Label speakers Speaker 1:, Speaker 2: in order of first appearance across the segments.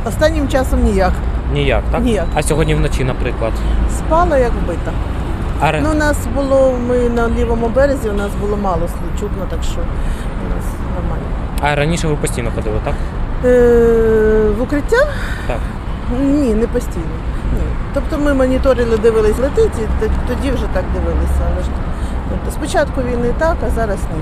Speaker 1: Останнім часом ніяк.
Speaker 2: Ніяк, так?
Speaker 1: Ніяк.
Speaker 2: А сьогодні вночі, наприклад?
Speaker 1: Спала як вбита.
Speaker 2: А
Speaker 1: Ну, у нас було, ми на лівому березі, у нас було мало слів чутно, так що у нас нормально.
Speaker 2: А раніше ви постійно ходили, так?
Speaker 1: В укриття?
Speaker 2: Так.
Speaker 1: Ні, не постійно. Ні. Тобто ми моніторили, дивились, летить, і тоді вже так дивилися. Але ж, тобто, спочатку війни так, а зараз ні.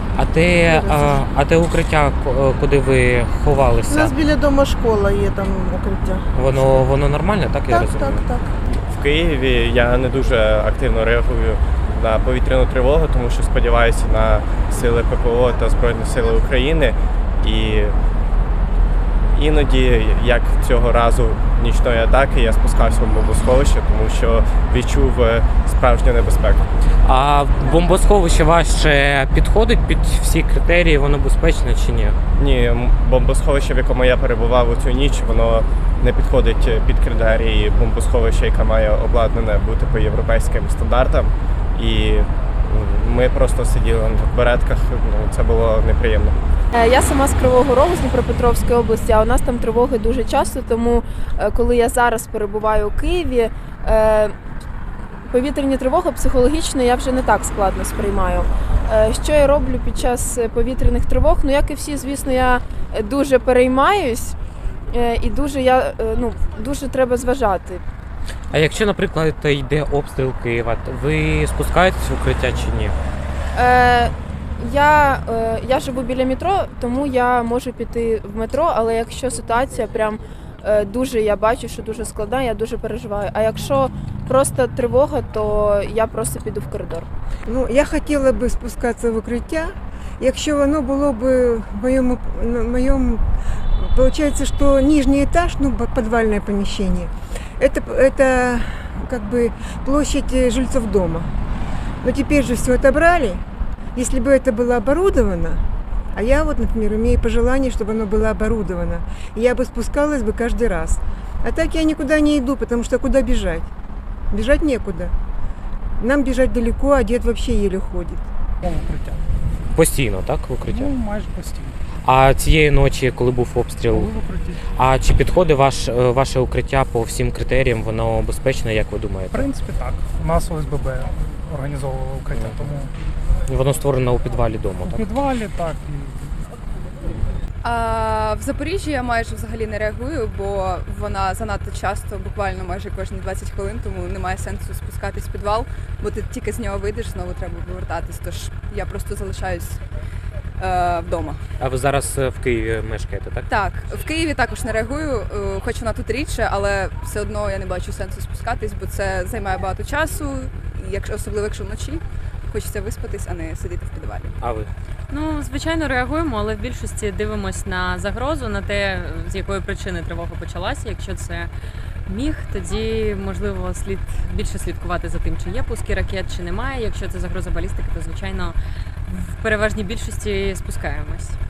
Speaker 2: А те укриття, куди ви
Speaker 1: У
Speaker 2: ховалися,
Speaker 1: нас біля дому школа є там укриття.
Speaker 2: воно нормальне, так? Я
Speaker 1: Так,
Speaker 2: розумію?
Speaker 1: так, так.
Speaker 3: В Києві я не дуже активно реагую на повітряну тривогу, тому що сподіваюся на сили ППО та Збройні Сили України. І іноді, як цього разу нічної атаки, я спускався в бомбосховище, тому що відчув справжню небезпеку.
Speaker 2: А бомбосховище ваше підходить під всі критерії, воно безпечне чи ні?
Speaker 3: Ні, бомбосховище, в якому я перебував у цю ніч, воно не підходить під критерії бомбосховища, яке має обладнане бути по європейським стандартам. І ми просто сиділи в беретках, це було неприємно.
Speaker 4: Я сама з Кривого Рогу, з Дніпропетровської області, а у нас там тривоги дуже часто, тому коли я зараз перебуваю у Києві, повітряні тривоги психологічно я вже не так складно сприймаю. Що я роблю під час повітряних тривог? Ну, як і всі, звісно, я дуже переймаюсь і дуже треба зважати.
Speaker 2: А якщо, наприклад, йде обстріл Києва, ви спускаєтесь в укриття чи ні?
Speaker 4: Я живу біля метро, тому я можу піти в метро, але якщо ситуація прям дуже, я бачу, що дуже складна, я дуже переживаю. А якщо просто тривога, то я просто піду в коридор.
Speaker 5: Ну, я хотіла би спускатися в укриття, якщо воно було б в моєму, получается, что нижний этаж, ну, подвальное помещение, это как бы площадь жильцов дома. Но теперь же все отобрали. Если бы это было оборудовано, а я вот, например, имею пожелание, чтобы оно было оборудовано, я бы спускалась бы каждый раз. А так я никуда не иду, потому что куда бежать? Бежать некуда. Нам бежать далеко, а дед вообще еле ходит.
Speaker 6: Укриття.
Speaker 2: Постійно, так, в укриття?
Speaker 6: Ну, майже постійно.
Speaker 2: А цієї ночі, коли був обстріл,
Speaker 6: Були в укритті.
Speaker 2: а чи підходить ваше укриття по всім критеріям, воно безпечне, як ви
Speaker 6: В
Speaker 2: думаєте?
Speaker 6: принципі, так. У нас ОСББ організовувало укриття, тому
Speaker 2: Воно створено у підвалі дому,
Speaker 6: у
Speaker 2: так?
Speaker 6: підвалі, так.
Speaker 7: В Запоріжжі я майже взагалі не реагую, бо вона занадто часто, буквально майже кожні 20 хвилин, тому немає сенсу спускатись в підвал, бо ти тільки з нього вийдеш, знову треба повертатись, тож я просто залишаюсь вдома.
Speaker 2: А ви зараз в Києві мешкаєте, так?
Speaker 7: Так, в Києві також не реагую, хоч вона тут рідше, але все одно я не бачу сенсу спускатись, бо це займає багато часу, особливо якщо вночі. Хочеться виспатись, а не сидіти в підвалі.
Speaker 2: А ви?
Speaker 8: Ну, звичайно, реагуємо, але в більшості дивимось на загрозу, на те, з якої причини тривога почалася. Якщо це міг, тоді, можливо, слід більше слідкувати за тим, чи є пуски ракет, чи немає. Якщо це загроза балістики, то, звичайно, в переважній більшості спускаємось.